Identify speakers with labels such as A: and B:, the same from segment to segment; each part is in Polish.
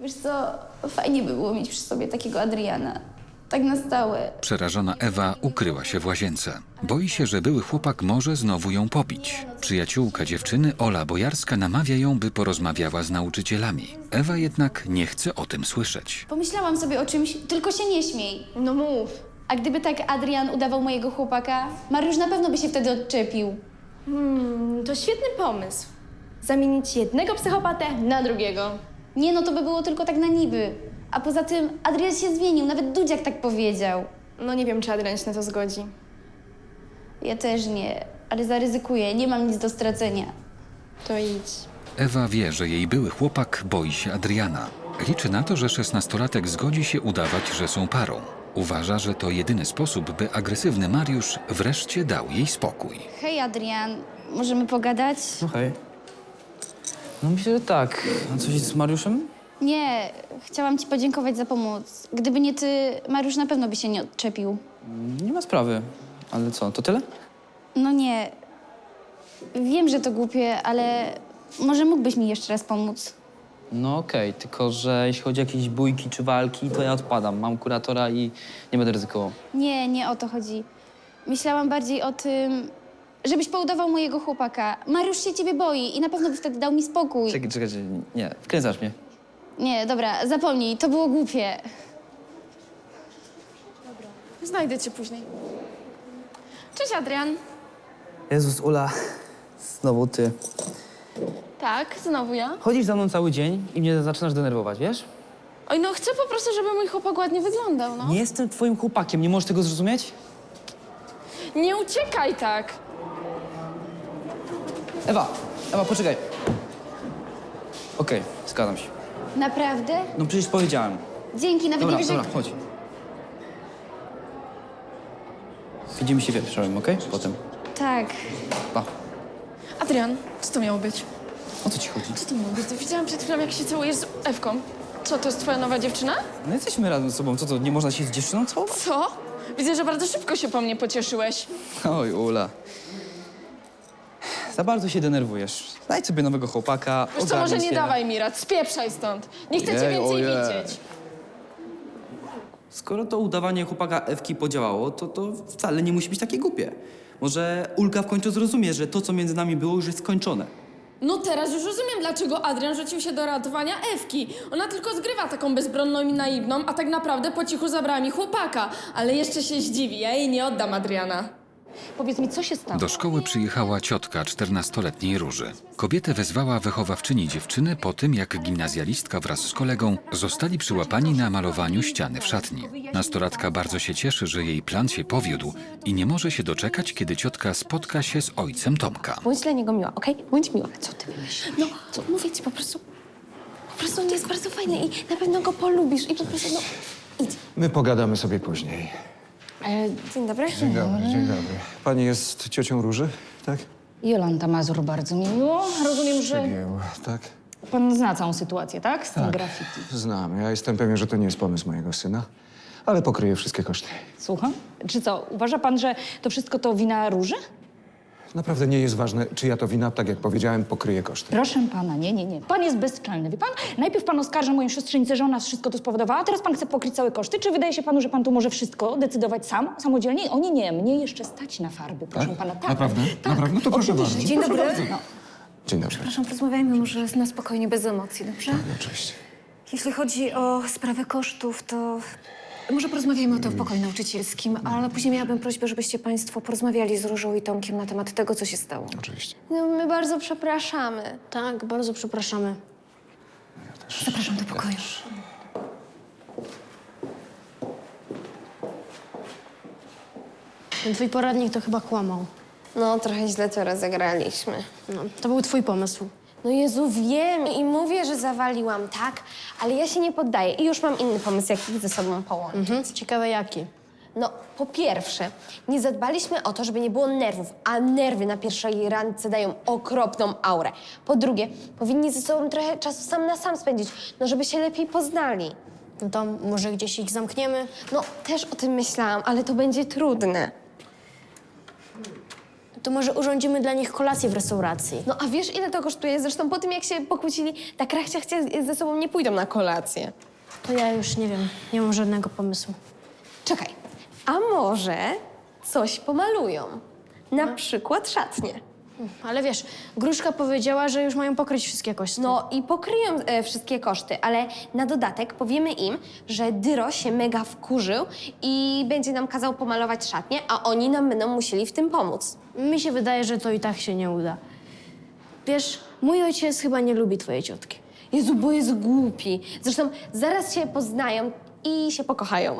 A: Wiesz co, fajnie by było mieć przy sobie takiego Adriana. Tak na stałe.
B: Przerażona Ewa ukryła się w łazience. Boi się, że były chłopak może znowu ją pobić. Przyjaciółka dziewczyny, Ola Bojarska, namawia ją, by porozmawiała z nauczycielami. Ewa jednak nie chce o tym słyszeć.
A: Pomyślałam sobie o czymś, tylko się nie śmiej.
C: No mów.
A: A gdyby tak Adrian udawał mojego chłopaka, Mariusz na pewno by się wtedy odczepił.
C: To świetny pomysł. Zamienić jednego psychopatę na drugiego.
A: Nie no, to by było tylko tak na niby. A poza tym Adrian się zmienił, nawet Dudziak tak powiedział.
C: No nie wiem, czy Adrian się na to zgodzi.
A: Ja też nie, ale zaryzykuję, nie mam nic do stracenia.
C: To idź.
B: Ewa wie, że jej były chłopak boi się Adriana. Liczy na to, że 16-latek zgodzi się udawać, że są parą. Uważa, że to jedyny sposób, by agresywny Mariusz wreszcie dał jej spokój.
A: Hej Adrian, możemy pogadać?
D: No hej. No myślę, że tak. A coś z Mariuszem?
A: Nie, chciałam ci podziękować za pomoc. Gdyby nie ty, Mariusz na pewno by się nie odczepił.
D: Nie ma sprawy. Ale co, to tyle?
A: No nie. Wiem, że to głupie, ale może mógłbyś mi jeszcze raz pomóc.
D: No okej, tylko że jeśli chodzi o jakieś bójki czy walki, to ja odpadam. Mam kuratora i nie będę ryzykował.
A: Nie, nie o to chodzi. Myślałam bardziej o tym, żebyś poudawał mojego chłopaka. Mariusz się ciebie boi i na pewno by wtedy dał mi spokój.
D: Czekaj, nie, wkręcasz mnie.
A: Nie, dobra, zapomnij, to było głupie.
C: Znajdę cię później. Cześć, Adrian.
D: Jezus, Ula, znowu ty.
C: Tak, znowu ja.
D: Chodzisz za mną cały dzień i mnie zaczynasz denerwować, wiesz?
C: Oj, no chcę po prostu, żeby mój chłopak ładnie wyglądał, no.
D: Nie jestem twoim chłopakiem, nie możesz tego zrozumieć?
C: Nie uciekaj tak.
D: Ewa, poczekaj. Okej, zgadzam się.
A: Naprawdę?
D: No przecież powiedziałem.
A: Dzięki, nawet
D: Dobra,
A: nie wiesz,
D: dobra, chodź. Widzimy się wieczorem, okej? Potem.
A: Tak.
D: Pa.
C: Adrian, co to miało być?
D: O co ci chodzi?
C: Co to miało być? To widziałam przed chwilą, jak się całujesz z Ewką. Co, to jest twoja nowa dziewczyna?
D: No jesteśmy razem ze sobą. Co to, nie można się z dziewczyną całować?
C: Co? Widzę, że bardzo szybko się po mnie pocieszyłeś.
D: Oj, Ula. Za bardzo się denerwujesz. Znajdź sobie nowego chłopaka,
C: Wiesz co, może
D: ogarnij
C: nie
D: się.
C: dawaj mi rad, spieprzaj stąd. Nie chcę cię
D: Ojej,
C: więcej
D: ojej.
C: widzieć.
D: Skoro to udawanie chłopaka Ewki podziałało, to wcale nie musi być takie głupie. Może Ulka w końcu zrozumie, że to, co między nami było, już jest skończone.
C: No teraz już rozumiem, dlaczego Adrian rzucił się do ratowania Ewki. Ona tylko zgrywa taką bezbronną i naiwną, a tak naprawdę po cichu zabrała mi chłopaka. Ale jeszcze się zdziwi, ja jej nie oddam Adriana.
E: Powiedz mi, co się stało?
B: Do szkoły przyjechała ciotka 14-letniej Róży. Kobietę wezwała wychowawczyni dziewczyny po tym, jak gimnazjalistka wraz z kolegą zostali przyłapani na malowaniu ściany w szatni. Nastolatka bardzo się cieszy, że jej plan się powiódł i nie może się doczekać, kiedy ciotka spotka się z ojcem Tomka.
E: Bądź dla niego miła, okej? Bądź miła. Co ty wymyślisz?
F: No, mówię ci po prostu on jest bardzo fajny i na pewno go polubisz i po prostu, no, idź.
G: My pogadamy sobie później.
F: Dzień dobry.
G: Dzień dobry, dzień dobry. Pani jest ciocią Róży, tak?
E: Jolanta Mazur, bardzo mi miło. Rozumiem, że
G: Przegięło, tak?
E: pan zna całą sytuację, tak? Z tym graffiti.
G: Znam. Ja jestem pewien, że to nie jest pomysł mojego syna, ale pokryję wszystkie koszty.
E: Słucham? Czy co, uważa pan, że to wszystko to wina Róży?
G: Naprawdę nie jest ważne, czyja to wina. Tak jak powiedziałem, pokryję koszty.
E: Proszę pana, nie. Pan jest bezczelny, wie pan? Najpierw pan oskarża moją siostrzenicę, że ona wszystko to spowodowała, a teraz pan chce pokryć całe koszty. Czy wydaje się panu, że pan tu może wszystko decydować sam, samodzielnie? O nie, mnie jeszcze stać na farby, proszę pana. Tak,
G: Naprawdę?
E: Tak.
G: Naprawdę? No to proszę
E: Oczywiście.
G: bardzo.
F: Dzień
G: Proszę
F: dobry.
G: bardzo.
E: No.
G: Dzień dobry.
F: Przepraszam, porozmawiajmy może na spokojnie, bez emocji, dobrze?
G: Oczywiście.
F: Jeśli chodzi o sprawę kosztów, to może porozmawiajmy o tym w pokoju nauczycielskim, ale później miałabym prośbę, żebyście państwo porozmawiali z Różą i Tomkiem na temat tego, co się stało.
G: Oczywiście.
F: No, my bardzo przepraszamy.
H: Tak, bardzo przepraszamy.
F: Zapraszam do pokoju.
H: Ten twój poradnik to chyba kłamał.
F: No, trochę źle to rozegraliśmy.
H: No, to był twój pomysł.
F: No Jezu, wiem i mówię, że zawaliłam, tak? Ale ja się nie poddaję i już mam inny pomysł, jak ich ze sobą połączyć.
H: Ciekawe jaki.
F: No, po pierwsze, nie zadbaliśmy o to, żeby nie było nerwów, a nerwy na pierwszej randce dają okropną aurę. Po drugie, powinni ze sobą trochę czasu sam na sam spędzić, no żeby się lepiej poznali.
H: No to może gdzieś ich zamkniemy?
F: No, też o tym myślałam, ale to będzie trudne.
H: To może urządzimy dla nich kolację w restauracji.
F: No a wiesz, ile to kosztuje? Zresztą po tym, jak się pokłócili, tak rachciachcie ze sobą nie pójdą na kolację.
H: To ja już nie wiem, nie mam żadnego pomysłu.
F: Czekaj, a może coś pomalują? Na przykład szatnie.
H: Ale wiesz, Gruszka powiedziała, że już mają pokryć wszystkie kości.
F: No i pokryją wszystkie koszty, ale na dodatek powiemy im, że Dyro się mega wkurzył i będzie nam kazał pomalować szatnie, a oni nam będą musieli w tym pomóc.
H: Mi się wydaje, że to i tak się nie uda. Wiesz, mój ojciec chyba nie lubi twojej ciotki.
F: Jezu, bo jest głupi. Zresztą zaraz się poznają i się pokochają.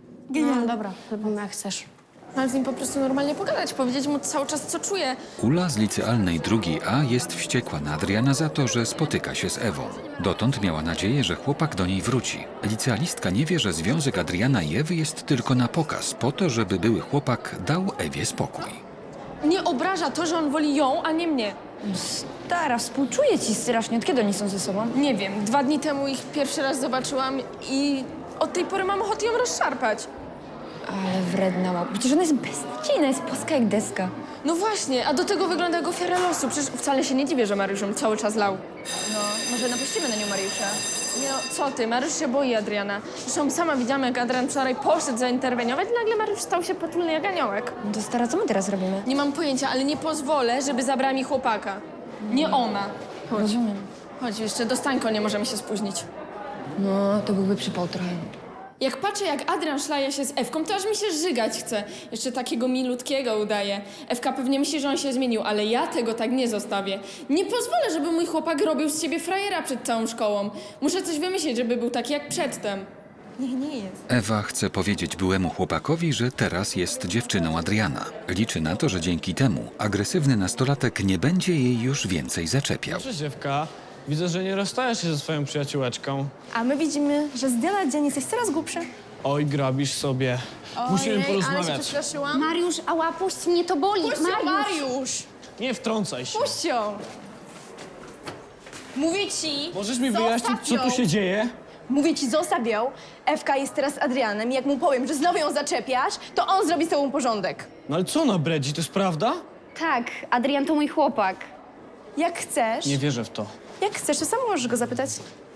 H: No dobra, zrobimy jak chcesz.
C: Ale z nim po prostu normalnie pogadać, powiedzieć mu cały czas, co czuję.
B: Ula z licealnej drugiej A jest wściekła na Adriana za to, że spotyka się z Ewą. Dotąd miała nadzieję, że chłopak do niej wróci. Licealistka nie wie, że związek Adriana i Ewy jest tylko na pokaz, po to, żeby były chłopak dał Ewie spokój.
C: Nie obraża to, że on woli ją, a nie mnie.
E: Stara, współczuję ci strasznie. Od kiedy oni są ze sobą?
C: Nie wiem, 2 dni temu ich pierwszy raz zobaczyłam i od tej pory mam ochotę ją rozszarpać.
E: Ale wredna mała. Przecież ona jest beznadziejna, jest płaska jak deska.
C: No właśnie, a do tego wygląda jak ofiara losu. Przecież wcale się nie dziwię, że Mariusz ją cały czas lał.
E: No, może napuścimy na nią Mariusza.
C: Nie no, co ty, Mariusz się boi Adriana. Zresztą sama widziałam, jak Adrian wczoraj poszedł zainterweniować i nagle Mariusz stał się potulny jak aniołek.
E: No to stara, co my teraz robimy?
C: Nie mam pojęcia, ale nie pozwolę, żeby zabrała mi chłopaka. Nie ona. Chodź.
E: Rozumiem.
C: Chodź, jeszcze do Stańko nie możemy się spóźnić.
E: No, to byłby przypał trochę.
C: Jak patrzę, jak Adrian szlaje się z Ewką, to aż mi się żygać chce. Jeszcze takiego milutkiego udaje. Ewka pewnie myśli, że on się zmienił, ale ja tego tak nie zostawię. Nie pozwolę, żeby mój chłopak robił z siebie frajera przed całą szkołą. Muszę coś wymyślić, żeby był taki jak przedtem.
E: Nie jest.
B: Ewa chce powiedzieć byłemu chłopakowi, że teraz jest dziewczyną Adriana. Liczy na to, że dzięki temu agresywny nastolatek nie będzie jej już więcej zaczepiał.
I: Cześć, Ewka. Widzę, że nie rozstajesz się ze swoją przyjaciółeczką.
J: A my widzimy, że z dnia na dzień jesteś coraz głupszy.
I: Oj, grabisz sobie. Musimy porozmawiać.
C: przestraszyłam.
A: Mariusz, ała, puść mnie, to boli.
C: Mariusz!
I: Nie wtrącaj się.
J: Puść ją! Mówię ci...
I: Możesz mi wyjaśnić, co tu się dzieje?
J: Mówię ci, zostaw ją. Ewka jest teraz z Adrianem i jak mu powiem, że znowu ją zaczepiasz, to on zrobi z tobą porządek.
I: No ale co ona bredzi, to jest prawda?
A: Tak, Adrian to mój chłopak.
J: Jak chcesz,
I: Nie wierzę w to.
J: jak chcesz, to sam możesz go zapytać.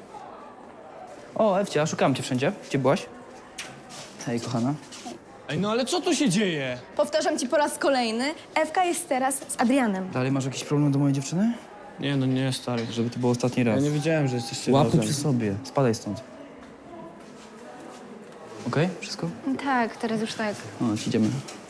D: O, Ewcia, szukałam cię wszędzie. Gdzie byłaś? Hej, kochana.
I: Ej, no ale co tu się dzieje?
J: Powtarzam ci po raz kolejny, Ewka jest teraz z Adrianem.
D: Dalej masz jakiś problem do mojej dziewczyny?
I: Nie, no nie, stary.
D: Żeby to był ostatni
I: Ja
D: raz.
I: nie wiedziałem, że jesteście
D: Łapy
I: razem.
D: przy sobie. Spadaj stąd. Okej? Wszystko?
A: Tak, teraz już tak.
D: O, idziemy.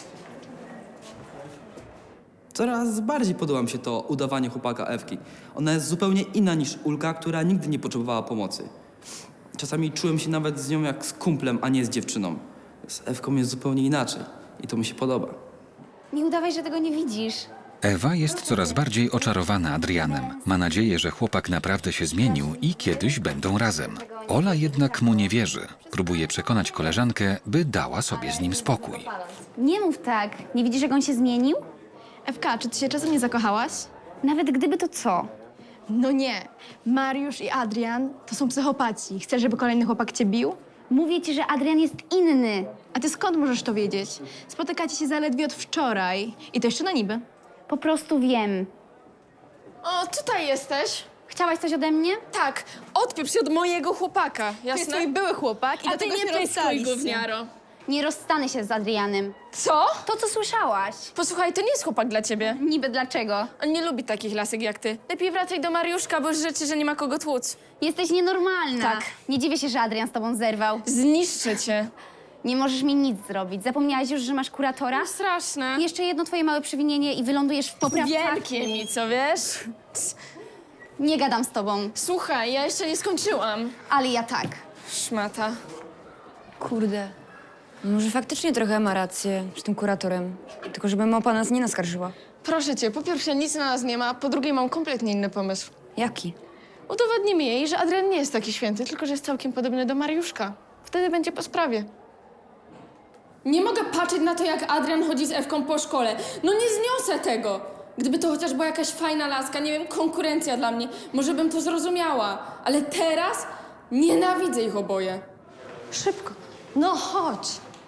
D: Coraz bardziej podoba mi się to udawanie chłopaka Ewki. Ona jest zupełnie inna niż Ulka, która nigdy nie potrzebowała pomocy. Czasami czułem się nawet z nią jak z kumplem, a nie z dziewczyną. Z Ewką jest zupełnie inaczej i to mi się podoba.
A: Nie udawaj, że tego nie widzisz.
B: Ewa jest coraz bardziej oczarowana Adrianem. Ma nadzieję, że chłopak naprawdę się zmienił i kiedyś będą razem. Ola jednak mu nie wierzy. Próbuje przekonać koleżankę, by dała sobie z nim spokój.
A: Nie mów tak. Nie widzisz, jak on się zmienił?
J: Ewka, czy ty się czasem nie zakochałaś?
A: Nawet gdyby to co?
J: No nie. Mariusz i Adrian to są psychopaci. Chcesz, żeby kolejny chłopak cię bił?
A: Mówię ci, że Adrian jest inny.
J: A ty skąd możesz to wiedzieć? Spotykacie się zaledwie od wczoraj. I to jeszcze na niby.
A: Po prostu wiem.
C: O, tutaj jesteś?
A: Chciałaś coś ode mnie?
C: Tak, odpieprz się od mojego chłopaka,
J: To jest
C: jasne?
J: twój były chłopak i
C: A
J: do
C: ty
J: tego
C: nie
J: się
C: pyskuj,
J: rozstaliście.
C: gówniaro.
A: Nie rozstanę się z Adrianem.
C: Co?
A: To, co słyszałaś.
C: Posłuchaj, to nie jest chłopak dla ciebie.
A: Niby dlaczego?
C: On nie lubi takich lasek jak ty. Lepiej wracaj do Mariuszka, bo rzeczy, że nie ma kogo tłuc.
A: Jesteś nienormalna.
C: Tak.
A: Nie dziwię się, że Adrian z tobą zerwał.
C: Zniszczę cię.
A: Nie możesz mi nic zrobić. Zapomniałaś już, że masz kuratora?
C: Straszne.
A: Jeszcze jedno twoje małe przewinienie i wylądujesz w poprawce.
C: Wielkie mi, co wiesz?
A: Nie gadam z tobą,
C: Słuchaj, ja jeszcze nie skończyłam.
A: ale ja tak.
C: Szmata.
K: Kurde. Może faktycznie trochę ma rację z tym kuratorem. Tylko żeby małpa nas nie naskarżyła.
C: Proszę cię, po pierwsze nic na nas nie ma, po drugie mam kompletnie inny pomysł.
K: Jaki?
C: Udowodnimy jej, że Adrian nie jest taki święty, tylko że jest całkiem podobny do Mariuszka. Wtedy będzie po sprawie. Nie mogę patrzeć na to, jak Adrian chodzi z Ewką po szkole. No nie zniosę tego! Gdyby to chociaż była jakaś fajna laska, nie wiem, konkurencja dla mnie, może bym to zrozumiała. Ale teraz nienawidzę ich oboje.
F: Szybko. No chodź.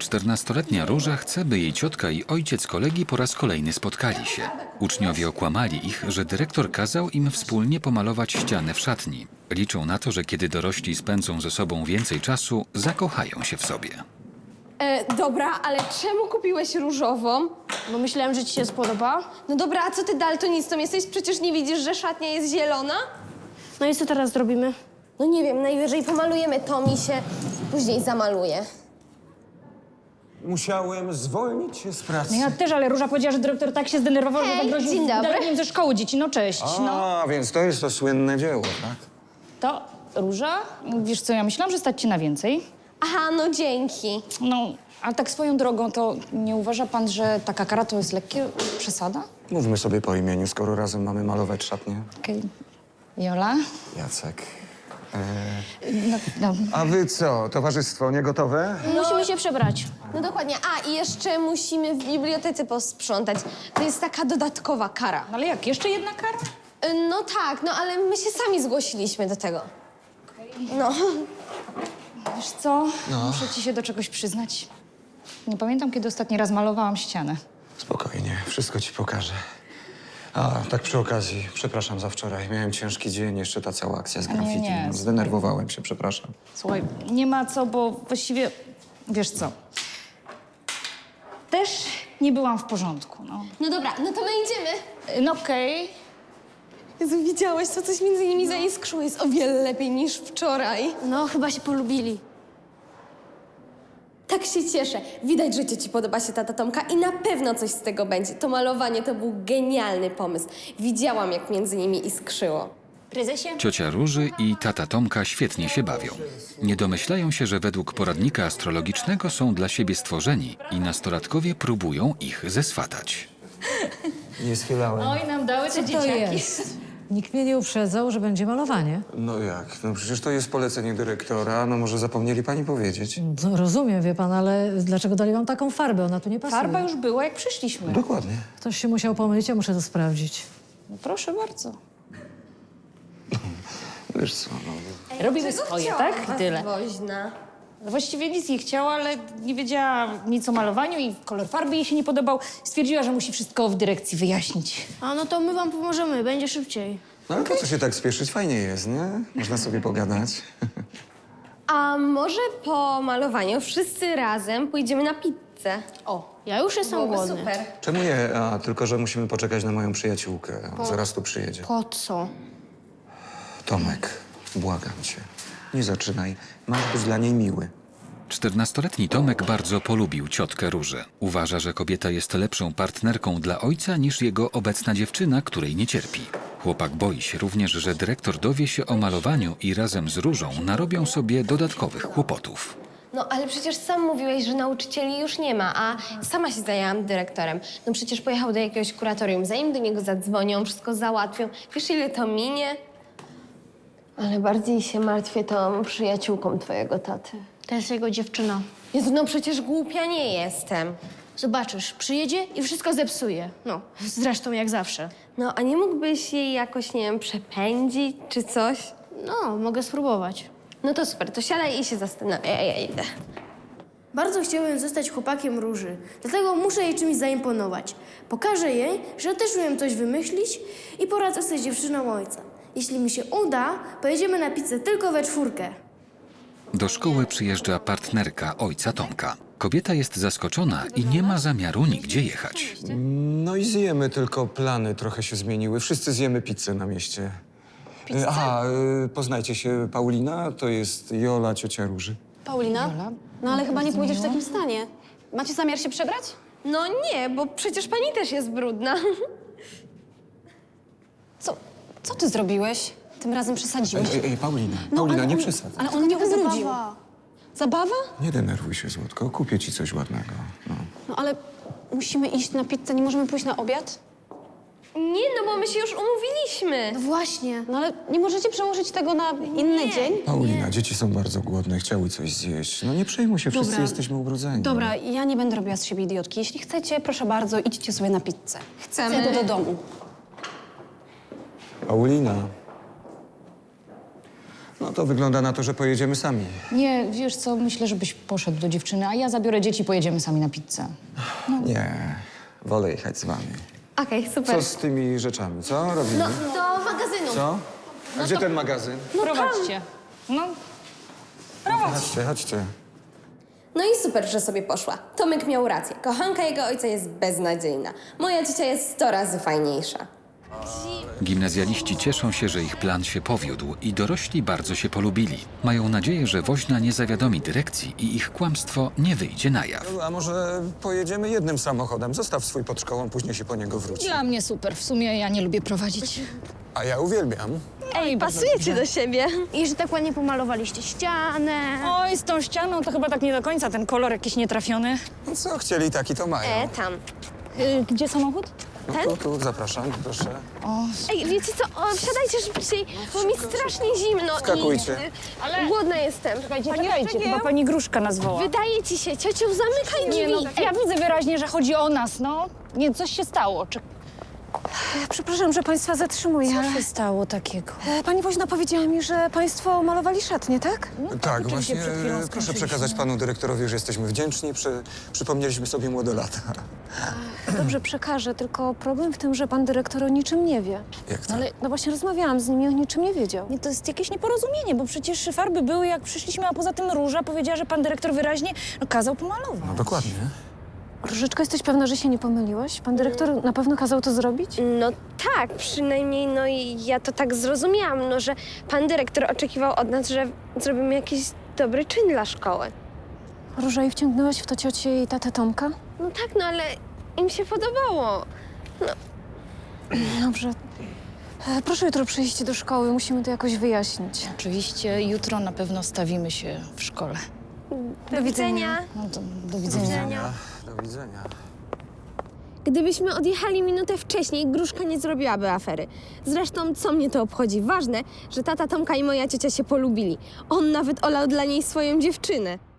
B: 14-letnia Róża chce, by jej ciotka i ojciec kolegi po raz kolejny spotkali się. Uczniowie okłamali ich, że dyrektor kazał im wspólnie pomalować ścianę w szatni. Liczą na to, że kiedy dorośli spędzą ze sobą więcej czasu, zakochają się w sobie.
F: Dobra, ale czemu kupiłeś różową?
H: Bo myślałem, że ci się spodoba.
F: No dobra, a co ty daltonistą jesteś? Przecież nie widzisz, że szatnia jest zielona?
H: No i co teraz zrobimy?
F: No nie wiem, najwyżej pomalujemy to, mi się później zamaluje.
G: Musiałem zwolnić się z pracy.
E: No ja też, ale Róża powiedziała, że dyrektor tak się zdenerwował,
F: Hej,
E: że zagroził
F: dzień dobry.
E: wydaleniem ze szkoły dzieci. No cześć, no.
G: A, więc to jest to słynne dzieło, tak?
E: To, Róża, wiesz co, ja myślałam, że stać cię na więcej.
F: Aha, no dzięki.
E: No, ale tak swoją drogą, to nie uważa pan, że taka kara to jest lekkie przesada?
G: Mówmy sobie po imieniu, skoro razem mamy malować szatnię.
E: Okej. Jola?
G: Jacek.
E: No.
G: A wy co, towarzystwo, nie gotowe?
H: Musimy się przebrać.
F: No dokładnie. A, i jeszcze musimy w bibliotece posprzątać. To jest taka dodatkowa kara.
E: Ale jak, jeszcze jedna kara?
F: No tak, no ale my się sami zgłosiliśmy do tego. No.
E: Wiesz co, muszę ci się do czegoś przyznać. Nie pamiętam, kiedy ostatni raz malowałam ścianę.
G: Spokojnie, wszystko ci pokażę. A, tak przy okazji, przepraszam za wczoraj. Miałem ciężki dzień, jeszcze ta cała akcja z graffiti.
E: nie.
G: No, zdenerwowałem się, przepraszam.
E: Słuchaj, nie ma co, bo właściwie, wiesz co, też nie byłam w porządku, no.
F: No dobra, no to my idziemy.
E: No okej.
F: Jezu, widziałeś, co coś między nimi zaiskrzyło. Jest o wiele lepiej niż wczoraj.
H: No, chyba się polubili.
F: Tak się cieszę. Widać, że ci podoba się tata Tomka i na pewno coś z tego będzie. To malowanie to był genialny pomysł. Widziałam, jak między nimi iskrzyło.
H: Prezesie?
B: Ciocia Róży i tata Tomka świetnie się bawią. Nie domyślają się, że według poradnika astrologicznego są dla siebie stworzeni i nastolatkowie próbują ich zeswatać.
G: Nie schylałem.
E: Oj, nam dały te dzieciaki.
L: Nikt mnie nie uprzedzał, że będzie malowanie.
G: No jak? No przecież to jest polecenie dyrektora. No może zapomnieli pani powiedzieć?
L: No, rozumiem, wie pan, ale dlaczego dali wam taką farbę? Ona tu nie pasuje.
E: Farba już była, jak przyszliśmy.
G: Dokładnie.
L: Ktoś się musiał pomylić, ja muszę to sprawdzić.
E: No, proszę bardzo.
G: Wiesz co, no...
E: Robimy swoje, tak? I tyle.
F: Woźna.
E: No właściwie nic nie chciała, ale nie wiedziała nic o malowaniu i kolor farby jej się nie podobał. Stwierdziła, że musi wszystko w dyrekcji wyjaśnić.
H: A no to my wam pomożemy, będzie szybciej.
G: No ale po co się tak spieszyć? Fajnie jest, nie? Można sobie pogadać.
F: A może po malowaniu wszyscy razem pójdziemy na pizzę?
H: O, ja już jestem
F: Byłoby
H: głodny.
F: super.
G: Czemu nie? A, tylko że musimy poczekać na moją przyjaciółkę. Zaraz tu przyjedzie.
H: Po co?
G: Tomek, błagam cię. Nie zaczynaj. Masz być dla niej miły.
B: 14-letni Tomek bardzo polubił ciotkę Różę. Uważa, że kobieta jest lepszą partnerką dla ojca niż jego obecna dziewczyna, której nie cierpi. Chłopak boi się również, że dyrektor dowie się o malowaniu i razem z Różą narobią sobie dodatkowych kłopotów.
F: No ale przecież sam mówiłeś, że nauczycieli już nie ma, a sama się zajęłam dyrektorem. No przecież pojechał do jakiegoś kuratorium, zanim do niego zadzwonią, wszystko załatwią. Wiesz, ile to minie? Ale bardziej się martwię tą przyjaciółką twojego taty.
H: To jest jego dziewczyna.
F: Jezu, no przecież głupia nie jestem.
H: Zobaczysz, przyjedzie i wszystko zepsuje. No, zresztą jak zawsze.
F: No, a nie mógłbyś jej jakoś, nie wiem, przepędzić czy coś?
H: No, mogę spróbować.
F: No to super, to siadaj i się zastanawiaj, ja idę.
H: Bardzo chciałbym zostać chłopakiem Róży, dlatego muszę jej czymś zaimponować. Pokażę jej, że też umiem coś wymyślić i poradzę sobie z dziewczyną ojca. Jeśli mi się uda, pojedziemy na pizzę tylko we czwórkę.
B: Do szkoły przyjeżdża partnerka ojca Tomka. Kobieta jest zaskoczona i nie ma zamiaru nigdzie jechać.
G: No i zjemy, tylko plany trochę się zmieniły. Wszyscy zjemy pizzę na mieście. Aha, poznajcie się. Paulina, to jest Jola, ciocia Róży.
J: Paulina? No ale chyba nie pójdziesz w takim stanie. Macie zamiar się przebrać?
F: No nie, bo przecież pani też jest brudna.
J: Co ty zrobiłeś? Tym razem przesadziłeś.
G: Ej, Paulina, Paulina, nie przesadzaj.
J: Ale on mnie ubrudził. Zabawa?
G: Nie denerwuj się, Złotko. Kupię ci coś ładnego. No.
J: No ale musimy iść na pizzę, nie możemy pójść na obiad?
F: Nie, no bo my się już umówiliśmy.
H: No właśnie.
J: No ale nie możecie przełożyć tego na inny dzień?
G: Paulina, dzieci są bardzo głodne, chciały coś zjeść. No nie przejmuj się, wszyscy
J: Dobra.
G: jesteśmy ubrudzeni.
J: Dobra, ja nie będę robiła z siebie idiotki. Jeśli chcecie, proszę bardzo, idźcie sobie na pizzę.
F: Chcemy.
J: Idę do domu.
G: Paulina. No to wygląda na to, że pojedziemy sami.
E: Nie, wiesz co, myślę, żebyś poszedł do dziewczyny, a ja zabiorę dzieci, pojedziemy sami na pizzę.
G: Nie, wolę jechać z wami.
F: Okej, super.
G: Co z tymi rzeczami, co robimy?
F: No, do magazynu.
G: Co? A gdzie ten magazyn?
E: Prowadźcie. No,
G: Chodźcie, chodźcie.
F: No i super, że sobie poszła. Tomek miał rację. Kochanka jego ojca jest beznadziejna. Moja ciocia jest 100 razy fajniejsza.
B: Gimnazjaliści cieszą się, że ich plan się powiódł i dorośli bardzo się polubili. Mają nadzieję, że woźna nie zawiadomi dyrekcji i ich kłamstwo nie wyjdzie na jaw.
G: A może pojedziemy jednym samochodem? Zostaw swój pod szkołą, później się po niego wróci.
E: dla mnie super. W sumie ja nie lubię prowadzić.
G: A ja uwielbiam.
F: Ej, pasujecie do siebie.
H: I że tak ładnie pomalowaliście ścianę.
E: Oj, z tą ścianą to chyba tak nie do końca, ten kolor jakiś nietrafiony.
G: No co chcieli, taki to mają.
F: Tam.
E: Gdzie samochód?
G: No tu, zapraszam, proszę.
F: Ej, wiecie co? Wsiadajcie szybciej, bo mi strasznie zimno
G: Skakujcie.
F: i głodna jestem.
E: Czekajcie, chyba pani Gruszka nas woła.
F: Wydaje ci się, ciociu, zamykaj drzwi.
E: Nie, no, ja widzę wyraźnie, że chodzi o nas, no. Nie, coś się stało.
J: Przepraszam, że państwa zatrzymuję.
E: Co się stało takiego?
J: Pani woźna powiedziała mi, że państwo malowali szatnie, tak?
G: Tak,
E: oczywiście
G: właśnie.
E: przed chwilą
G: Proszę
E: skończyliśmy.
G: przekazać panu dyrektorowi, że jesteśmy wdzięczni. Przypomnieliśmy sobie młode lata.
J: Dobrze, przekażę, tylko problem w tym, że pan dyrektor o niczym nie wie.
G: Jak to?
E: Ale
J: No właśnie rozmawiałam z nim i o niczym nie wiedział.
E: nie, to jest jakieś nieporozumienie, bo przecież farby były jak przyszliśmy, a poza tym Róża powiedziała, że pan dyrektor wyraźnie kazał pomalować.
G: No dokładnie.
J: Różyczko, jesteś pewna, że się nie pomyliłaś? Pan dyrektor na pewno kazał to zrobić?
F: No tak, przynajmniej no i ja to tak zrozumiałam, no że pan dyrektor oczekiwał od nas, że zrobimy jakiś dobry czyn dla szkoły.
J: Róża, i wciągnęłaś w to ciocię i tatę Tomka?
F: No tak, no ale im się podobało.
J: Dobrze. Proszę jutro przyjść do szkoły, musimy to jakoś wyjaśnić.
E: Oczywiście jutro na pewno stawimy się w szkole.
F: Do widzenia.
E: No to do widzenia.
G: Do widzenia.
F: Gdybyśmy odjechali minutę wcześniej, Gruszka nie zrobiłaby afery. Zresztą, co mnie to obchodzi? Ważne, że tata Tomka i moja ciocia się polubili. On nawet olał dla niej swoją dziewczynę.